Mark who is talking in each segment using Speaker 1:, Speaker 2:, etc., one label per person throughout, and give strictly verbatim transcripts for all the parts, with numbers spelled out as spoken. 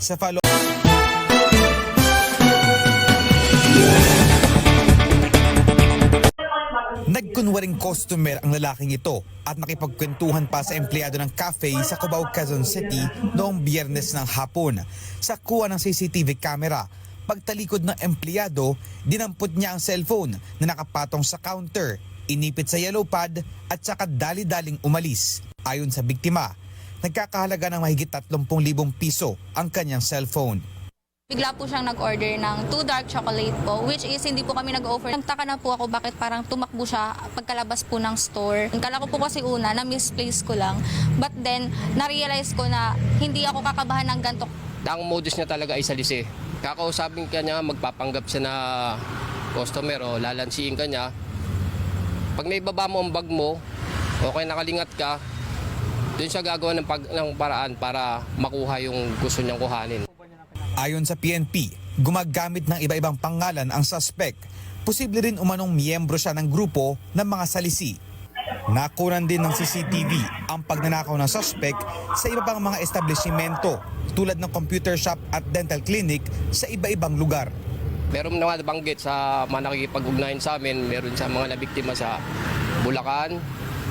Speaker 1: Sa follow Nagkunwaring customer ang lalaking ito at nakipagkwentuhan pa sa empleyado ng cafe sa Cubao, Quezon City noong Biyernes ng hapon. Sa kuha ng C C T V camera, pagtalikod ng empleyado, dinampot niya ang cellphone na nakapatong sa counter, inipit sa yellow pad at saka dali-daling umalis. Ayon sa biktima, nagkakahalaga ng mahigit tatlong libong piso ang kanyang cellphone.
Speaker 2: Bigla po siyang nag-order ng two dark chocolate po, which is hindi po kami nag-offer. Nagtaka na po ako bakit parang tumakbo siya pagkalabas po ng store. Kala ko po kasi una na misplace ko lang, but then na-realize ko na hindi ako kakabahan ng ganito.
Speaker 3: Ang modus niya talaga ay salisi. Kakausapin ka niya, magpapanggap siya na customer o lalansiin ka niya. Pag naibaba mo ang bag mo, okay nakalingat ka, doon siya gagawa ng, pag, ng paraan para makuha yung gusto niyang kuhanin.
Speaker 1: Ayon sa P N P, gumagamit ng iba-ibang pangalan ang suspect. Posible rin umanong miyembro siya ng grupo ng mga salisi. Nakunan din ng C C T V ang pagnanakaw ng suspect sa iba pang mga establishmento tulad ng computer shop at dental clinic sa iba-ibang lugar.
Speaker 3: Meron naman nabanggit sa mga nakikipag-ugnayan sa amin, meron sa mga nabiktima sa Bulacan,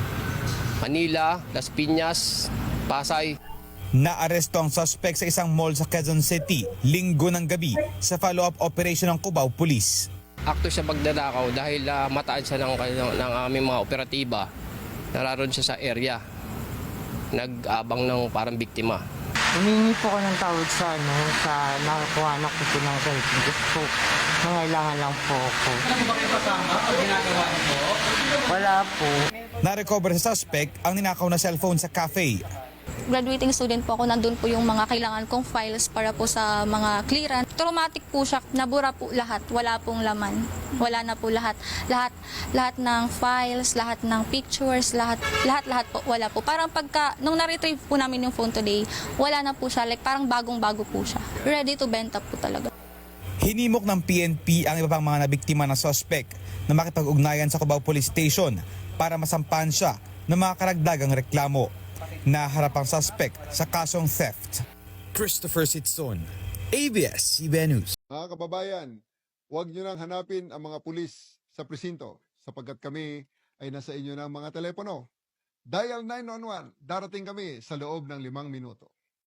Speaker 3: Manila, Las Piñas, Pasay.
Speaker 1: Naaresto ang suspect sa isang mall sa Quezon City linggo ng gabi sa follow-up operation ng Cubao Police.
Speaker 3: Akto siya pagdadakaw dahil uh, mataan siya ng, ng, ng aming mga operatiba. Nararoon siya sa area. Nag-abang ng parang biktima.
Speaker 4: Humingi po ko ng tawad sa ano, sa nakakuha na ko po ng cellphone. Gusto po, nangailangan lang po ako.
Speaker 5: Ano ba kayo kasama pag ginagawa niyo po?
Speaker 4: Wala po.
Speaker 1: Na-recover sa suspect ang ninakaw na cellphone sa cafe.
Speaker 2: Graduating student po ako, nandun po yung mga kailangan kong files para po sa mga clearance. Traumatic po siya, nabura po lahat, wala pong laman. Wala na po lahat. Lahat lahat ng files, lahat ng pictures, lahat lahat lahat po wala po. Parang pagka nung na-retrieve po namin yung phone today, wala na po siya, like parang bagong-bago po siya. Ready to benta po talaga.
Speaker 1: Hinimok ng P N P ang iba pang mga nabiktima ng suspect na makipag-ugnayan sa Cubao Police Station para masampahan siya ng mga karagdagang reklamo. Naharap ang suspect sa kasong theft. Christopher Sitson, A B S C B N News.
Speaker 6: Mga kababayan, huwag nyo nang hanapin ang mga pulis sa presinto sapagkat kami ay nasa inyo ng mga telepono. Dial nine one one, darating kami sa loob ng limang minuto.